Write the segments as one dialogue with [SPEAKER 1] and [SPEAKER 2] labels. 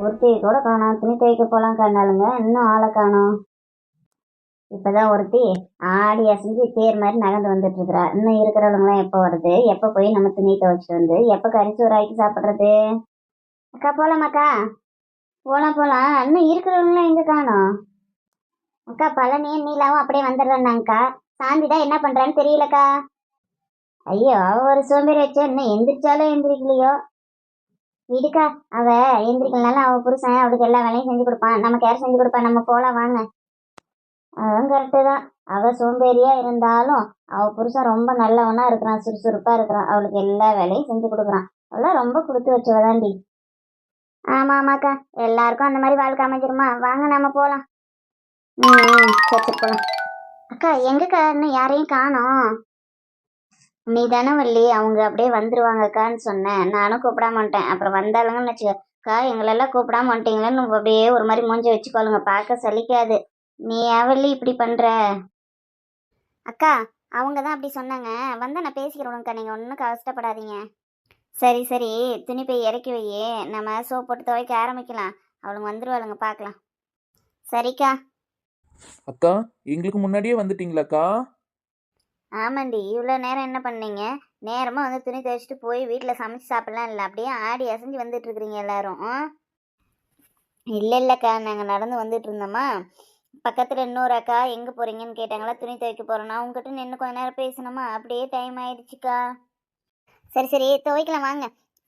[SPEAKER 1] ஒருத்தி கூட காணோம். துணி துவைக்க போலாம் கண்டாளுங்க, இன்னும் ஆளை காணோம். இப்பதான் ஒருத்தி ஆடி அசைஞ்சு தேர் மாதிரி நகர்ந்து வந்துட்டு இருக்கிறா. இன்னும் இருக்கிறவங்களாம் எப்போ வருது, எப்போ போய் நம்ம துணி துவைச்சிட்டு வந்து எப்போ கரிசோறு ஆக்கி சாப்பிட்றது? அக்கா போலாமாக்கா? போலாம் போலாம். இன்னும் இருக்கிறவங்களாம் எங்க காணோம்? அக்கா பழனியும் நீலாவும் அப்படியே வந்துடுறாங்கக்கா. சாந்தி தான் என்ன பண்றான்னு தெரியலக்கா. ஐயோ, அவ ஒரு சோம்பேறி வச்சு இன்னும் எந்திரிச்சாலும் எந்திரிக்கலையோ. விடுக்கா, அவ எந்திரிக்கலனாலும் அவ புருஷன் அவளுக்கு எல்லா வேலையும் செஞ்சு கொடுப்பான். நமக்கு யார் செஞ்சு கொடுப்பா? நம்ம போலாம் வாங்க. அதுவும் கரெக்டு தான். அவ சோம்பேறியா இருந்தாலும் அவ புருஷன் ரொம்ப நல்லவனா இருக்கிறான், சுறுசுறுப்பா இருக்கிறான், அவளுக்கு எல்லா வேலையும் செஞ்சு கொடுக்குறான். அவெல்லாம் ரொம்ப கொடுத்து வச்சவதாண்டி. ஆமா ஆமாக்கா, எல்லாருக்கும் அந்த மாதிரி வாழ்க்கை அமைஞ்சிருமா? வாங்க நம்ம போலாம். சரி சரி போலாம். அக்கா எங்கக்கா இன்னும் யாரையும் காணோம்? நீ தானே வள்ளி, அவங்க அப்படியே வந்துருவாங்கக்கான்னு சொன்னேன். நானும் கூப்பிடாம வந்துட்டேன். அப்புறம் வந்தாலுங்கன்னு வச்சுக்கா, எங்களெல்லாம் கூப்பிடாம வந்துட்டீங்களேன்னு அப்படியே ஒரு மாதிரி மூஞ்சி வச்சுக்கோளுங்க, பார்க்க சலிக்காது. நீ வள்ளி இப்படி பண்ற? அக்கா அவங்க தான் அப்படி சொன்னாங்க. வந்து நான் பேசிக்கிறோம்க்கா, நீங்கள் ஒன்றும் கஷ்டப்படாதீங்க. சரி சரி, துணி போய் இறக்கி வையே, நம்ம சோப் போட்டு துவைக்க ஆரம்பிக்கலாம். அவளுங்க வந்துருவாளுங்க, பார்க்கலாம். சரிக்கா.
[SPEAKER 2] அக்கா எங்களுக்கு முன்னாடியே வந்துட்டீங்களாக்கா?
[SPEAKER 1] ஆமாண்டி, இவ்வளோ நேரம் என்ன பண்ணீங்க? நேரமாக வந்து துணி துவைச்சிட்டு போய் வீட்டில் சமைச்சு சாப்பிட்லாம் இல்லை, அப்படியே ஆடி அசைஞ்சு வந்துட்டு இருக்கிறீங்க எல்லாரும். இல்லை இல்லைக்கா, நாங்கள் நடந்து வந்துட்டு இருந்தோமா, பக்கத்தில் இன்னொரு அக்கா எங்கே போகிறீங்கன்னு கேட்டாங்களா, துணி துவைக்க போகிறோன்னா உங்ககிட்ட நின்று கொஞ்ச நேரம் பேசணுமா, அப்படியே டைம் ஆயிடுச்சுக்கா. சரி சரி துவைக்கலாம் வாங்க.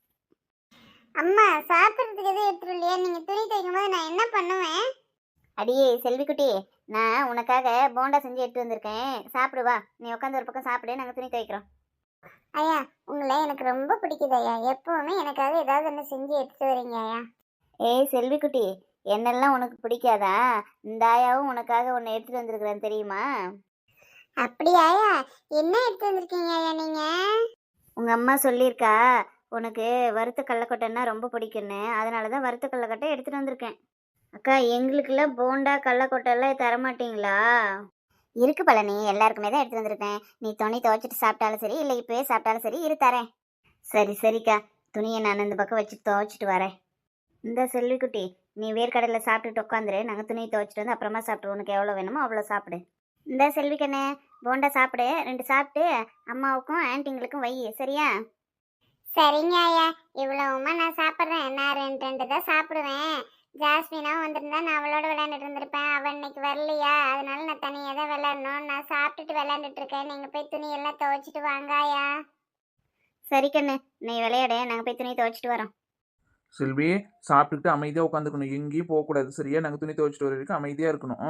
[SPEAKER 1] அம்மா சாப்பிட்றதுக்கு எதுவும் எடுத்துரு இல்லையா? நீங்கள் துணி துவைக்கும் போது நான் என்ன பண்ணுவேன்? அடியே செல்விக்குட்டி, நான் உனக்காக போண்டா செஞ்சு எடுத்து வந்திருக்கேன், சாப்பிடுவா. நீ உட்காந்து ஒரு பக்கம் சாப்பிடு, நாங்கள் துணி துவைக்கிறோம். ஐயா உங்களை எனக்கு ரொம்ப பிடிக்குது ஐயா, எப்பவுமே எனக்காக ஏதாவது ஒன்று செஞ்சு எடுத்து வரீங்க ஐயா. ஏய் செல்விக்குட்டி, என்னெல்லாம் உனக்கு பிடிக்காதா? இந்த ஆயாவும் உனக்காக ஒன்று எடுத்துட்டு வந்திருக்கிறேன் தெரியுமா? அப்படியாயா? என்ன எடுத்து வந்திருக்கீங்க ஐயா நீங்க? உங்க அம்மா சொல்லியிருக்கா உனக்கு வறுத்த கடலக்கொட்டைன்னா ரொம்ப பிடிக்குன்னு, அதனால தான் வறுத்த கடலக்கொட்டை எடுத்துட்டு வந்திருக்கேன். அக்கா எங்களுக்கெல்லாம் போண்டா கடலக்கொட்டைலாம் தரமாட்டீங்களா? இருக்கு பழனி, எல்லாருக்குமே தான் எடுத்து வந்திருக்கேன். நீ துணி துவைச்சிட்டு சாப்பிட்டாலும் சரி, இல்லை இப்போயே சாப்பிட்டாலும் சரி, இரு தரேன். சரி சரிக்கா, துணியை நான் இந்த பக்கம் வச்சு துவைச்சிட்டு வரேன். இந்த செல்விக்குட்டி, நீ வேர்க்கடலில் சாப்பிட்டுட்டு உட்காந்துரு, நாங்கள் துணியை துவைச்சிட்டு வந்து அப்புறமா சாப்பிட்டு உனக்கு எவ்வளோ வேணுமோ அவ்வளோ சாப்பிடு. இந்த செல்விக்கண்ணே, போண்டா சாப்பிடு, 2 சாப்பிட்டு அம்மாவுக்கும் ஆன்ட்டிங்களுக்கும் வை, சரியா? சரிங்க ஐயா, இவ்வளவுமா நான் சாப்பிட்றேன். நான் 2 தான் சாப்பிடுவேன். ஜாஸ்மினாவும் வந்திருந்தா நான் அவளோட விளையாண்டுட்டு இருந்திருப்பேன். அவள் இன்னைக்கு வரலையா, அதனால நான் தனியாக தான் விளையாடணும். நான் சாப்பிட்டுட்டு விளையாண்டுட்டு இருக்கேன். நீங்கள் போய் துணியெல்லாம் துவைச்சிட்டு வாங்காயா. சரி கண்ணு, நீ விளையாட, நாங்கள் போய் துணி துவைச்சிட்டு வரோம்.
[SPEAKER 2] செல்வி, சாப்பிட்டுக்கிட்டு அமைதியாக உட்காந்துக்கணும், எங்கேயும் போகக்கூடாது சரியா? நாங்கள் துணி துவைச்சிட்டு வர வரைக்கும் அமைதியாக இருக்கணும்.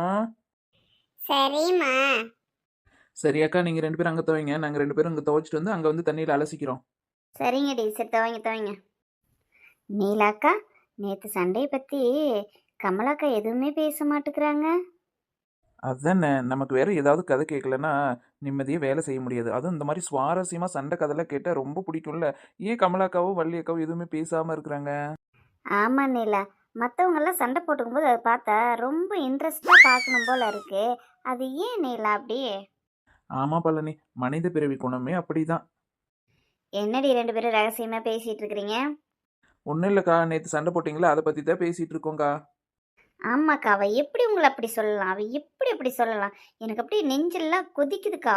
[SPEAKER 1] சரிம்மா.
[SPEAKER 2] சரியாக்கா, நீங்கள் 2 பேரும் அங்கே துவைங்க, நாங்கள் 2 பேரும் இங்கே துவைச்சிட்டு வந்து அங்கே வந்து தண்ணியில் அலசிக்கிறோம்.
[SPEAKER 1] சரிங்க டி, சரி துவைங்க துவைங்க. நீலாக்கா, நேற்று சண்டையை பற்றி கமலாக்கா எதுவுமே பேச மாட்டேங்கிறாங்க.
[SPEAKER 2] அதுதானே, நமக்கு வேற ஏதாவது கதை கேட்கலன்னா நிம்மதியாக வேலை செய்ய முடியாது. அதுவும் இந்த மாதிரி சுவாரஸ்யமாக சண்டை கதைலாம் கேட்டால் ரொம்ப பிடிக்கும்ல. ஏன் கமலாக்காவோ வள்ளியக்காவோ எதுவுமே பேசாமல் இருக்கிறாங்க?
[SPEAKER 1] ஆமாம் நீலா, மற்றவங்கெல்லாம் சண்டை போட்டுக்கும்போது அதை பார்த்தா ரொம்ப இன்ட்ரெஸ்டாக பார்க்கணும் போல இருக்கு. அது ஏன் நீலா அப்படி?
[SPEAKER 2] ஆமாம் பழனி, மனித பிறவி குணமே அப்படிதான்.
[SPEAKER 1] என்னடி 2 பேரும் ரகசியமாக பேசிகிட்டு இருக்கிறீங்க?
[SPEAKER 2] ஒன்றும் இல்லைக்கா, நேற்று சண்டை போட்டிங்களா, அதை பற்றி தான் பேசிகிட்டு இருக்கோங்க்கா.
[SPEAKER 1] ஆமாக்கா, அவள் எப்படி உங்களை அப்படி சொல்லலாம்? அவள் எப்படி அப்படி சொல்லலாம்? எனக்கு அப்படியே நெஞ்செல்லாம் கொதிக்குதுக்கா.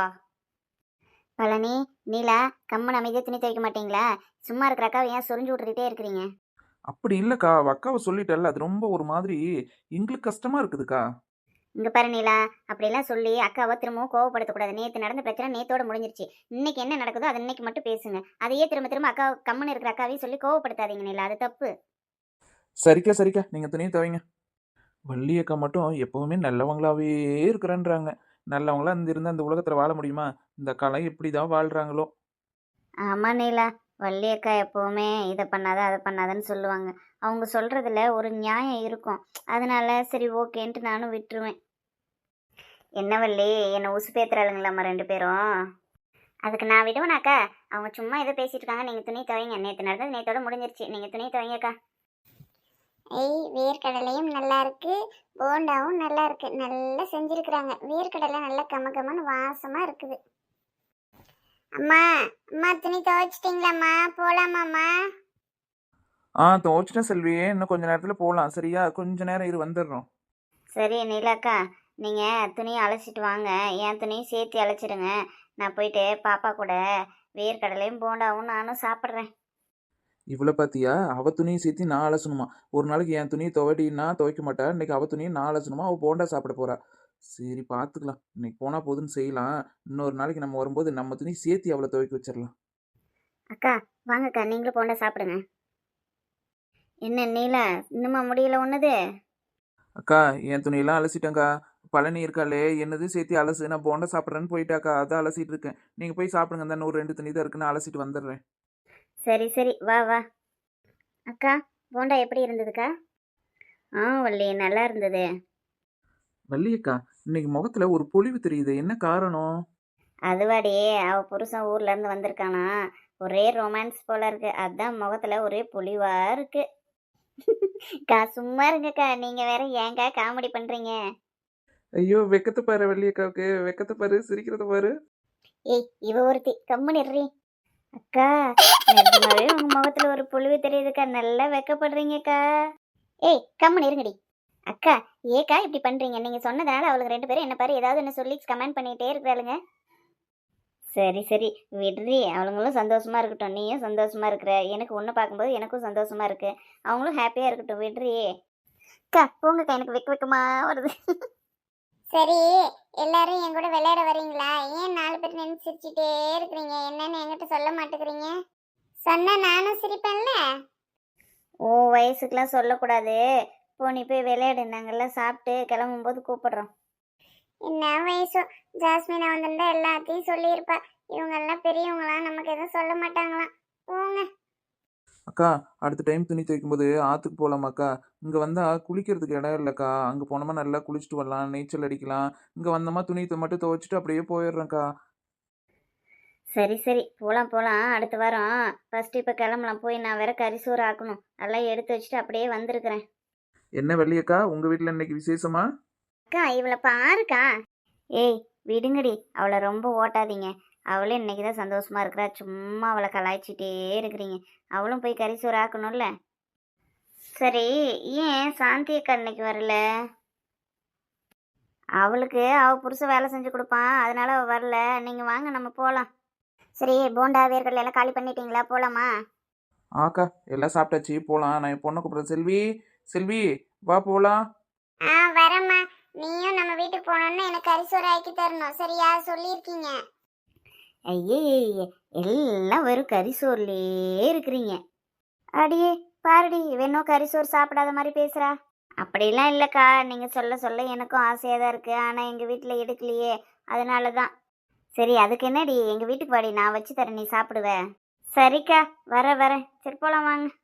[SPEAKER 1] பழனி, நீலா, கம்மன் அமைதியாக துணி துவைக்க மாட்டீங்களா? சும்மா இருக்கிறாக்கா ஏன் சொரிஞ்சு விட்டுக்கிட்டே இருக்கிறீங்க?
[SPEAKER 2] அப்படி இல்லைக்கா, அக்காவை சொல்லிட்டல, அது ரொம்ப ஒரு மாதிரி எங்களுக்கு கஷ்டமாக இருக்குதுக்கா.
[SPEAKER 1] இங்கே பாரு நீலா, அப்படிலாம் சொல்லி அக்காவை திரும்பவும் கோவப்படுத்தக்கூடாது. நேற்று நடந்த பிரச்சனை நேத்தோட முடிஞ்சிருச்சு. இன்னைக்கு என்ன நடக்குதோ அது இன்னைக்கு மட்டும் பேசுங்க. அதையே திரும்ப திரும்ப அக்கா கம்மன் இருக்கிற அக்காவையும் சொல்லி கோவப்படுத்தாதீங்க நீலா, அது தப்பு.
[SPEAKER 2] சரிக்கா சரிக்கா, நீங்கள் துணியை துவைங்க. வள்ளியக்கா மட்டும் எப்பவுமே நல்லவங்களாவே இருக்கிறேன்றாங்க. நல்லவங்களா இருந்திருந்தா இந்த உலகத்தில் வாழ முடியுமா? இந்த காலம் எப்படி தான் வாழ்கிறாங்களோ.
[SPEAKER 1] ஆமாம் நீலா, வள்ளி அக்கா எப்போவுமே இதை பண்ணாத அதை பண்ணாதன்னு சொல்லுவாங்க. அவங்க சொல்கிறதுல ஒரு நியாயம் இருக்கும். அதனால சரி ஓகேன்ட்டு நானும் விட்டுருவேன். என்ன வள்ளி, என்னை உசு பேத்துறாளுங்களாம்மா 2 பேரும்? அதுக்கு நான் விடுவேனாக்கா? அவங்க சும்மா ஏதோ பேசிட்டு இருக்காங்க, நீங்கள் துணி துவைங்க. நேற்று நடந்தது நேற்றோட முடிஞ்சிருச்சு, நீங்கள் துணி துவைங்கக்கா. ஏய், வேர்க்கடலையும் நல்லா இருக்கு, போண்டாவும் நல்லா இருக்கு, நல்லா செஞ்சுருக்குறாங்க. வேர்க்கடலை நல்லா கமகமன்னு வாசமாக இருக்குது. அம்மா, அம்மா துணி துவைச்சிட்டிங்களாம்மா? போகலாமாம்மா?
[SPEAKER 2] துவைச்சிட்டேன் செல்வி. இன்னும் கொஞ்ச நேரத்தில் போகலாம். சரியா? கொஞ்ச நேரம் இரு, வந்துடுறோம்.
[SPEAKER 1] சரி நீலாக்கா, நீங்கள் துணியை அழைச்சிட்டு வாங்க, என் துணியும் சேர்த்து அழைச்சிடுங்க. நான் போயிட்டு பாப்பா கூட வேர்க்கடலையும் போண்டாவும் நானும் சாப்பிட்றேன்.
[SPEAKER 2] இவ்வளோ பார்த்தியா? அவ துணியை சேர்த்து நான் அலசணுமா? ஒரு நாளைக்கு என் துணியை துவைட்டின்னா துவைக்க மாட்டா. இன்னைக்கு அவ துணியை நான் அலசணுமா? அவள் போண்டா சாப்பிட போறா. சரி பார்த்துக்கலாம். இன்னைக்கு போனால் போதுன்னு செய்யலாம். இன்னொரு நாளைக்கு நம்ம வரும்போது நம்ம துணி சேர்த்து அவளை துவைக்க வச்சிடலாம்.
[SPEAKER 1] அக்கா வாங்கக்கா, நீங்களும் போண்டா சாப்பிடுங்க. என்ன நீலா, இன்னுமா முடியல ஒன்றுது?
[SPEAKER 2] அக்கா, என் துணியெல்லாம் அலசிட்டேங்க்கா. பழனி இருக்காளே, என்னது சேர்த்து அலசு, நான் போண்டா சாப்பிட்றேன்னு போயிட்டாக்கா. அதான் அலசிட்டு இருக்கேன். நீங்கள் போய் சாப்பிடுங்க. தான் ஒரு 2 துணி தான் இருக்குன்னு அலசிட்டு வந்துடுறேன்.
[SPEAKER 1] சரி சரி, வா வா. அக்கா, போண்டா எப்படி இருந்ததுக்கா? வள்ளி, நல்லா இருந்தது.
[SPEAKER 2] வள்ளியக்கா, இன்னைக்கு முகத்துல ஒரு பொலிவு தெரியுது. என்ன காரணம்?
[SPEAKER 1] அதுவாடி, அவ புருஷன் ஊர்ல இருந்து வந்திருக்கானா, ஒரே ரொமான்ஸ் போல இருக்கு, அதான் முகத்துல ஒரே பொலிவா இருக்கு. கா சும்மா இருங்கக்கா, நீங்க வேற ஏங்கா காமெடி பண்றீங்க?
[SPEAKER 2] ஐயோ, வெக்கத்தை பாரு வள்ளியக்காவுக்கு. வெக்கத்தை பாரு, சிரிக்கிறத பாரு.
[SPEAKER 1] ஏய், இவ ஒருத்தி கம்முனிடுறி. அக்கா, நிஜமாவே உங்க முகத்துல ஒரு பொலிவு தெரியுதுக்கா, நல்லா வெக்கப்படுறீங்கக்கா. ஏய், கம்முனு இருங்கடி. அக்கா, ஏக்கா இப்படி பண்றீங்க? நீங்க சொன்னதால அவளுக்கு 2 பேரும் என்ன பாரு ஏதாவது என்ன சொல்லி கமெண்ட் பண்ணிட்டே இருக்கிறாளுங்க. சரி சரி, விடுறி, அவளுங்களும் சந்தோஷமா இருக்கட்டும், நீயும் சந்தோஷமா இருக்கிற, எனக்கு ஒன்று பார்க்கும்போது எனக்கும் சந்தோஷமா இருக்கு, அவங்களும் ஹாப்பியா இருக்கட்டும், விடுறி. அக்கா போங்கக்கா, எனக்கு வெக்க வெக்கமா வருது. சரி, எல்லாரும் என் கூட விளையாட வரீங்களா? ஏன் 4 பேர் நின்று சிரிச்சுட்டே இருக்கிறீங்க? என்னன்னு என்கிட்ட சொல்ல மாட்டேங்கிறீங்க? சொன்னா நானும் சிரிப்பேன்ல. ஓ வயசுக்கெல்லாம் சொல்லக்கூடாது. போ, நீ போய் விளையாடு, நாங்கெல்லாம் சாப்பிட்டு கிளம்பும்போது கூப்பிடுறோம். என்ன வயசோ, ஜாஸ்மினா வந்திருந்தா எல்லாத்தையும் சொல்லியிருப்பா. இவங்கெல்லாம் பெரியவங்களாம், நமக்கு எதுவும் சொல்ல மாட்டாங்களாம். போங்க.
[SPEAKER 2] அக்கா, அடுத்த டைம் துணி துவைக்கும் போது ஆற்றுக்கு போகலாமாக்கா? இங்கே வந்தால் குளிக்கிறதுக்கு இடம் இல்லைக்கா. அங்கே போனோமா நல்லா குளிச்சுட்டு வரலாம், நீச்சல் அடிக்கலாம். இங்கே வந்தோமா துணி மட்டும் துவைச்சிட்டு அப்படியே போயிடுறேன்க்கா.
[SPEAKER 1] சரி சரி, போகலாம் போகலாம், அடுத்த வாரம். ஃபர்ஸ்ட் இப்போ கிளம்பலாம். போய் நான் வேற கறிசோறு ஆக்கணும், அதெல்லாம் எடுத்து வச்சுட்டு அப்படியே வந்திருக்கிறேன்.
[SPEAKER 2] என்ன வள்ளியக்கா, உங்கள் வீட்டில் இன்னைக்கு விசேஷமா?
[SPEAKER 1] அக்கா, இவளை பாருக்கா. ஏய், விடுங்கடி, அவளை ரொம்ப ஓட்டாதீங்க. அவளும் இன்னைக்கு தான் சந்தோஷமா இருக்கிறா, சும்மா அவளை கலாய்ச்சிட்டே இருக்கிறீங்க. அவளும் போய் கறிசோறு ஆக்கணும்ல. சரி, ஏன் சாந்தி அக்கா இன்னைக்கு வரல? அவளுக்கு அவ புருஷன் வேலை செஞ்சு கொடுப்பான், அதனால அவ வரல. நீங்க வாங்க, நம்ம போகலாம். சரி, போண்டா வேர்க்கடலை எல்லாம் காலி பண்ணிட்டீங்களா? போலாமா?
[SPEAKER 2] ஆக்கா, எல்லாம் சாப்பிட்டாச்சு, போகலாம். நான் என் பொண்ணை கூப்பிட்றேன். செல்வி, செல்வி, வா போகலாம்.
[SPEAKER 1] வரேம்மா. நீயும் நம்ம வீட்டுக்கு போனோன்னு எனக்கு கறிசோறு ஆக்கி தரணும், சரியா? சொல்லியிருக்கீங்க. ஐயே, எல்லாம் வெறும் கறிசோறுலயே இருக்கிறீங்க. அடியே பாருடி, வேணும் கறிசோறு சாப்பிடாத மாதிரி பேசுறா. அப்படிலாம் இல்லைக்கா, நீங்க சொல்ல சொல்ல எனக்கும் ஆசையாக தான் இருக்கு, ஆனால் எங்கள் வீட்டில் எடுக்கலையே, அதனால தான். சரி, அதுக்கு என்னடி, எங்கள் வீட்டுக்கு வாடி, நான் வச்சு தரேன், நீ சாப்பிடுவ. சரிக்கா, வரேன். சரி, போலாம் வாங்க.